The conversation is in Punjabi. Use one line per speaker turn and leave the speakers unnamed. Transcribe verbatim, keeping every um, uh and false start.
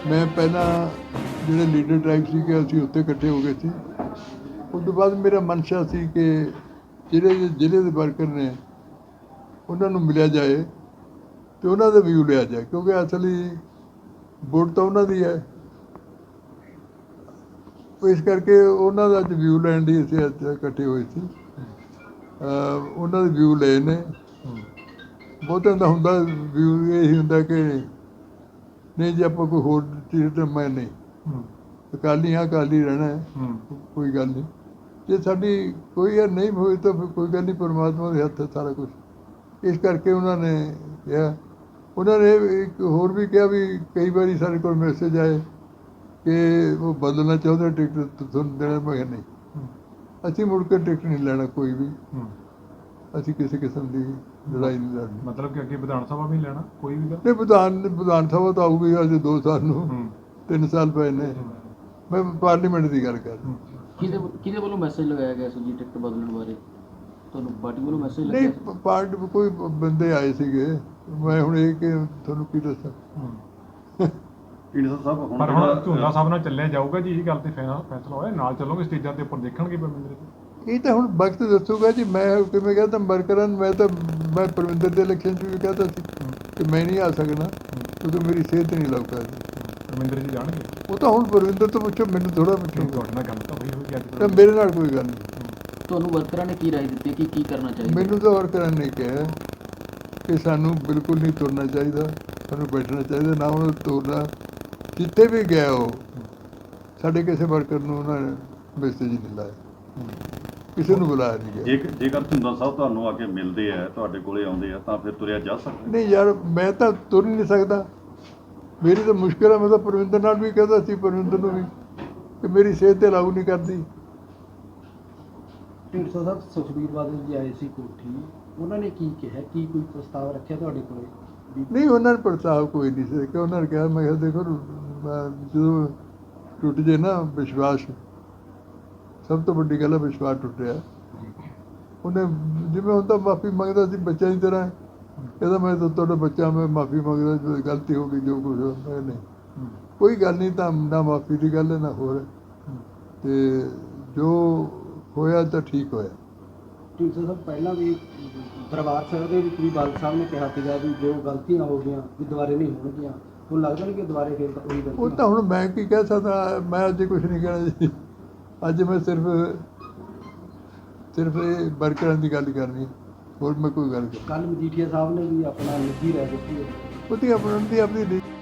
मैं पहला ਜਿਹੜੇ ਲੀਡਰ ਟ੍ਰਾਈਬ ਸੀਗੇ ਅਸੀਂ ਉੱਥੇ ਇਕੱਠੇ ਹੋ ਗਏ ਸੀ। ਉਸ ਤੋਂ ਬਾਅਦ ਮੇਰਾ ਮਨਸ਼ਾ ਸੀ ਕਿ ਜਿਹੜੇ ਜ਼ਿਲ੍ਹੇ ਦੇ ਵਰਕਰ ਨੇ ਉਹਨਾਂ ਨੂੰ ਮਿਲਿਆ ਜਾਏ ਅਤੇ ਉਹਨਾਂ ਦਾ ਵਿਊ ਲਿਆ ਜਾਏ, ਕਿਉਂਕਿ ਅਸਲੀ ਵੋਟ ਤਾਂ ਉਹਨਾਂ ਦੀ ਹੈ। ਇਸ ਕਰਕੇ ਉਹਨਾਂ ਦਾ ਅੱਜ ਵਿਊ ਲੈਣ ਲਈ ਅਸੀਂ ਅੱਜ ਇਕੱਠੇ ਹੋਏ ਸੀ। ਉਹਨਾਂ ਦੇ ਵਿਊ ਲਏ ਨੇ। ਬਹੁਤਿਆਂ ਦਾ ਹੁੰਦਾ ਵਿਊ ਇਹੀ ਹੁੰਦਾ ਕਿ ਨਹੀਂ ਜੇ ਆਪਾਂ ਕੋਈ ਹੋਰ ਚੀਜ਼ ਤਾਂ ਮੈਂ ਨਹੀਂ ਅਕਾਲੀ ਹਾਂ, ਅਕਾਲੀ ਰਹਿਣਾ ਹੈ, ਕੋਈ ਗੱਲ ਨਹੀਂ। ਜੇ ਸਾਡੀ ਕੋਈ ਯਾਰ ਨਹੀਂ ਹੋਈ ਤਾਂ ਫਿਰ ਕੋਈ ਗੱਲ ਨਹੀਂ, ਪਰਮਾਤਮਾ ਦੇ ਹੱਥ ਹੈ ਸਾਰਾ ਕੁਛ। ਇਸ ਕਰਕੇ ਉਹਨਾਂ ਨੇ ਕਿਹਾ, ਉਹਨਾਂ ਨੇ ਇੱਕ ਹੋਰ ਵੀ ਕਿਹਾ ਵੀ ਕਈ ਵਾਰੀ ਸਾਡੇ ਕੋਲ ਮੈਸੇਜ ਆਏ ਕਿ ਉਹ ਬਦਲਣਾ ਚਾਹੁੰਦੇ ਟਿਕਟ ਤੁਹਾਨੂੰ ਦੇਣਾ। ਮੈਂ ਕਿਹਾ ਨਹੀਂ, ਅਸੀਂ ਮੁੜ ਕੇ ਟਿਕਟ ਨਹੀਂ ਲੈਣਾ ਕੋਈ ਵੀ। ਅਸੀਂ ਕਿਸੇ ਕਿਸਮ ਦੀ ਲੜਾਈ ਨਹੀਂ ਲੜਨੀ।
ਮਤਲਬ ਕਿ ਅੱਗੇ ਵਿਧਾਨ ਸਭਾ ਵੀ ਲੈਣਾ ਕੋਈ ਵੀ
ਨਹੀਂ, ਵਿਧਾਨ ਵਿਧਾਨ ਸਭਾ ਤਾਂ ਆਊਗੀ ਅਜੇ ਦੋ ਸਾਲ ਨੂੰ, ਤਿੰਨ ਸਾਲ ਪਏ ਨੇ। ਮੈਂ ਪਾਰਲੀਮੈਂਟ ਦੀ ਗੱਲ ਕਰ ਰਿਹਾ।
ਕਿਹਦੇ ਕਿਹਦੇ ਵੱਲੋਂ ਮੈਸੇਜ ਲਗਾਇਆ ਗਿਆ ਸੀ ਜੀ ਟਿਕਟ ਬਦਲਣ ਬਾਰੇ? ਤੁਹਾਨੂੰ ਪਾਰਟੀ ਵੱਲੋਂ ਮੈਸੇਜ ਲੱਗਿਆ?
ਨਹੀਂ, ਪਾਰਟੀ ਕੋਈ ਬੰਦੇ ਆਏ ਸੀਗੇ। ਮੈਂ ਹੁਣ ਇਹ ਕਿ ਤੁਹਾਨੂੰ ਕੀ ਦੱਸਾਂ।
ਪਰ ਹੁਣ ਝੂਲਾ ਸਾਹਿਬ ਨਾਲ ਚੱਲਿਆ ਜਾਊਗਾ ਜੀ, ਇਹ ਗੱਲ ਤੇ ਫੈਸਲਾ ਹੋਇਆ ਨਾਲ ਚੱਲੋਗੇ ਸਟੇਜਾਂ ਦੇ ਉੱਪਰ ਦੇਖਣਗੇ ਪਰਮਿੰਦਰ ਜੀ?
ਇਹ ਤਾਂ ਹੁਣ ਵਕਤ ਦੱਸੂਗਾ ਜੀ। ਮੈਂ ਕਿਵੇਂ ਕਹਿੰਦਾ ਵਰਕਰਾਂ ਨੂੰ, ਮੈਂ ਤਾਂ ਮੈਂ ਪਰਮਿੰਦਰ ਦੇ ਇਲੈਕਸ਼ਨ 'ਚ ਵੀ ਕਹਿੰਦਾ ਸੀ ਕਿ ਮੈਂ ਨਹੀਂ ਆ ਸਕਣਾ ਕਿਉਂਕਿ ਮੇਰੀ ਸਿਹਤ ਨਹੀਂ ਲੱਗ ਪਾ ਰਹੀ।
ਪਰਮਿੰਦਰ ਜੀ ਜਾਣਗੇ?
ਉਹ ਤਾਂ ਹੁਣ ਪਰਮਿੰਦਰ ਤੋਂ ਪੁੱਛੋ, ਮੈਨੂੰ ਥੋੜ੍ਹਾ ਪੁੱਛੋ।
ਤੁਹਾਡੇ ਨਾਲ ਗੱਲ ਤਾਂ ਹੋਈ ਹੋਈ ਅੱਜ?
ਤਾਂ ਮੇਰੇ ਨਾਲ ਕੋਈ ਗੱਲ ਨਹੀਂ।
ਤੁਹਾਨੂੰ ਵਰਕਰਾਂ ਨੇ ਕੀ ਰਾਏ ਦਿੱਤੀ ਕਿ ਕੀ ਕਰਨਾ ਚਾਹੀਦਾ?
ਮੈਨੂੰ ਤਾਂ ਵਰਕਰਾਂ ਨੇ ਕਿਹਾ ਕਿ ਸਾਨੂੰ ਬਿਲਕੁਲ ਨਹੀਂ ਤੁਰਨਾ ਚਾਹੀਦਾ, ਸਾਨੂੰ ਬੈਠਣਾ ਚਾਹੀਦਾ, ਨਾ ਉਹਨੂੰ ਤੁਰਨਾ। ਜਿੱਥੇ ਵੀ ਗਿਆ ਉਹ ਸਾਡੇ ਕਿਸੇ ਵਰਕਰ ਨੂੰ ਉਹਨਾਂ ਨੇ ਮੈਸੇਜ ਨਹੀਂ ਲਾਇਆ, ਕਿਸੇ ਨੂੰ ਬੁਲਾਇਆ ਨਹੀਂ ਗਿਆ।
ਜੇਕਰ ਜੇਕਰ ਝੁੰਦਾ ਸਾਹਿਬ ਤੁਹਾਨੂੰ ਆ ਕੇ ਮਿਲਦੇ ਆ, ਤੁਹਾਡੇ ਕੋਲੇ ਆਉਂਦੇ ਆ, ਤਾਂ ਫਿਰ ਤੁਰਿਆ ਜਾ ਸਕਦਾ?
ਨਹੀਂ ਯਾਰ, ਮੈਂ ਤਾਂ ਤੁਰ ਨਹੀਂ ਸਕਦਾ, ਮੇਰੀ ਤਾਂ ਮੁਸ਼ਕਿਲ ਹੈ। ਮੈਂ ਤਾਂ ਪਰਵਿੰਦਰ ਨਾਲ ਵੀ ਕਹਿੰਦਾ ਸੀ, ਪਰਵਿੰਦਰ ਨੂੰ ਵੀ, ਕਿ ਮੇਰੀ ਸਿਹਤ 'ਤੇ ਲਾਗੂ ਨਹੀਂ ਕਰਦੀ।
ਢੀਂਡਸਾ ਸਾਹਿਬ ਸੁਖਬੀਰ ਬਾਦਲ ਜੀ ਆਏ ਸੀ ਕੋਠੀ, ਉਹਨਾਂ ਨੇ ਕੀ ਕਿਹਾ? ਕੀ ਕੋਈ ਪ੍ਰਸਤਾਵ ਰੱਖਿਆ ਤੁਹਾਡੇ ਕੋਲੇ?
ਨਹੀਂ, ਉਹਨਾਂ ਨੇ ਪ੍ਰਸਤਾਵ ਕੋਈ ਨਹੀਂ ਸੀ ਕਿ ਉਹਨਾਂ ਨੇ ਕਿਹਾ। ਮੈਂ ਕਿਹਾ ਦੇਖੋ, ਜਦੋਂ ਟੁੱਟ ਜੇ ਨਾ ਵਿਸ਼ਵਾਸ, ਸਭ ਤੋਂ ਵੱਡੀ ਗੱਲ ਹੈ ਵਿਸ਼ਵਾਸ ਟੁੱਟਿਆ। ਉਹਨੇ ਜਿਵੇਂ ਹੁੰਦਾ ਮਾਫੀ ਮੰਗਦਾ ਸੀ ਬੱਚਿਆਂ ਦੀ ਤਰ੍ਹਾਂ, ਕਹਿੰਦਾ ਮੈਂ ਤਾਂ ਤੁਹਾਡਾ ਬੱਚਾ, ਮੈਂ ਮਾਫੀ ਮੰਗਦਾ, ਜੋ ਗਲਤੀ ਹੋ ਗਈ ਜੋ ਕੁਛ ਹੋਇਆ। ਨਹੀਂ, ਕੋਈ ਗੱਲ ਨਹੀਂ, ਤਾਂ ਨਾ ਮਾਫੀ ਦੀ ਗੱਲ ਹੈ ਨਾ ਹੋਰ। ਅਤੇ ਜੋ ਹੋਇਆ ਤਾਂ ਠੀਕ ਹੋਇਆ।
ਢੀਂਡਸਾ ਸਾਹਿਬ ਪਹਿਲਾਂ ਵੀ ਦਰਬਾਰ ਸਾਹਿਬ ਦੇ ਵਿੱਚ ਵੀ ਬਾਦਲ ਸਾਹਿਬ ਨੇ ਕਿਹਾ ਸੀਗਾ ਵੀ ਜੋ ਗਲਤੀਆਂ ਹੋ ਗਈਆਂ ਵੀ ਦੁਬਾਰੇ ਨਹੀਂ ਹੋਣਗੀਆਂ। ਹੁਣ ਲੱਗਦਾ ਨਹੀਂ ਕਿ ਦੁਬਾਰੇ ਫਿਰ ਤਾਂ ਉਹੀ ਗਲਤੀ?
ਉਹ ਤਾਂ ਹੁਣ ਮੈਂ ਕੀ ਕਹਿ ਸਕਦਾ, ਮੈਂ ਅੱਜ ਕੁਛ ਨਹੀਂ ਕਹਿਣਾ ਜੀ। ਅੱਜ ਮੈਂ ਸਿਰਫ ਸਿਰਫ ਇਹ ਵਰਕਰਾਂ ਦੀ ਗੱਲ ਕਰਨੀ, ਹੋਰ ਮੈਂ ਕੋਈ ਗੱਲ ਕਰ।
ਕੱਲ੍ਹ ਮਜੀਠੀਆ ਸਾਹਿਬ ਨੇ ਵੀ ਆਪਣਾ ਨਿੱਜੀ ਰਾਏ ਦਿੱਤੀ ਹੈ।
ਉਹਦੀ ਆਪਣੀ ਆਪਣੀ